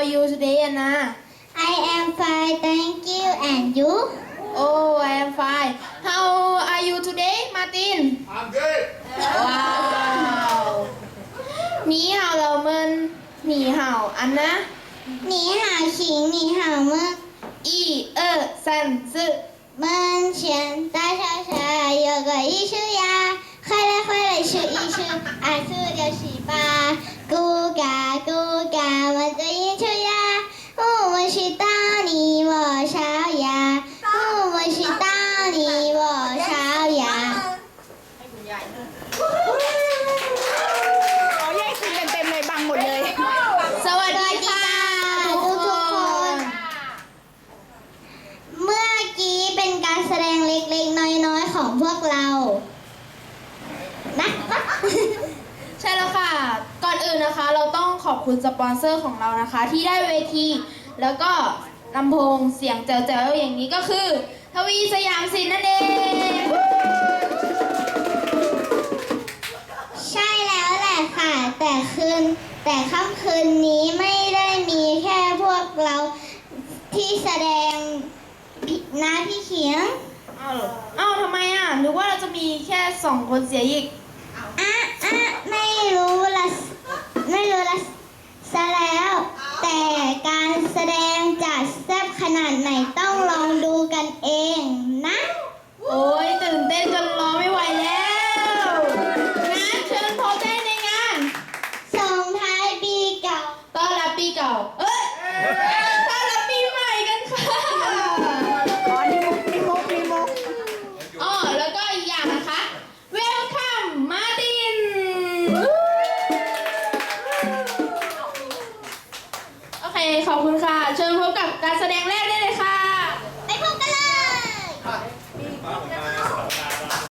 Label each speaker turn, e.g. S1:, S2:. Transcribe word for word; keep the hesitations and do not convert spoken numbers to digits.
S1: are you today Anna
S2: I am fine, thank you. And you?
S1: Oh I am fine How are you today Martin
S3: I'm good.
S1: ว้าว你好老们你好安娜
S2: 你好，请你好吗？
S1: 一二三四
S2: 门前大桥下有个艺术家，快来快来数一数，二四六七八，咕嘎咕嘎，我的艺术家，我们是大你我小呀，我们是大你我小呀。
S4: เอาแยกซีนกันเต็มเลยบังหมดเลย
S1: สวัสดีค่ะทุกคน
S2: เมื่อกี้เป็นการแสดงเล็กๆน้อยๆของพวกเรานะ
S1: ใช่แล้วค่ะ ก่อนอื่นนะคะ เราต้องขอบคุณสปอนเซอร์ของเรานะคะ ที่ได้เวที แล้วก็ลำโพงเสียงแจ๋วๆอย่างนี้ก็คือทวีสยามสินนั่นเอง
S2: ใช่แล้วแหละค่ะ แต่คืนแต่ค่ำคืนนี้ไม่ได้มีแค่พวกเราที่แสดงนะพี่เขียง
S1: อ้าวเหรออ้าวทำไมอ่ะหรือว่าเราจะมีแค่สองคนเสียอีก
S2: อ่ะอ่ะไม่รู้ละไม่รู้ละซะแล้ว แต่การแสดงจะแซ่บขนาดไหนต้องลองดูกันเองนะ
S1: โอ้ยตื่นเต้นจนรอไม่ไหวแล้วงั้นเชิญพบได้ในงาน
S2: ส่งท้ายปีเก่า
S1: ต้อนรับปีเก่า เอ้ยต้อนรับปีใหม่กันค่ะ
S4: อ๋อนี่มุกนี่มุกนี่มุก
S1: อ๋อแล้วก็อีกอย่างนะคะ Welcome Martin โอเค ขอบคุณค่ะ เชิญพบกับการแสดงแร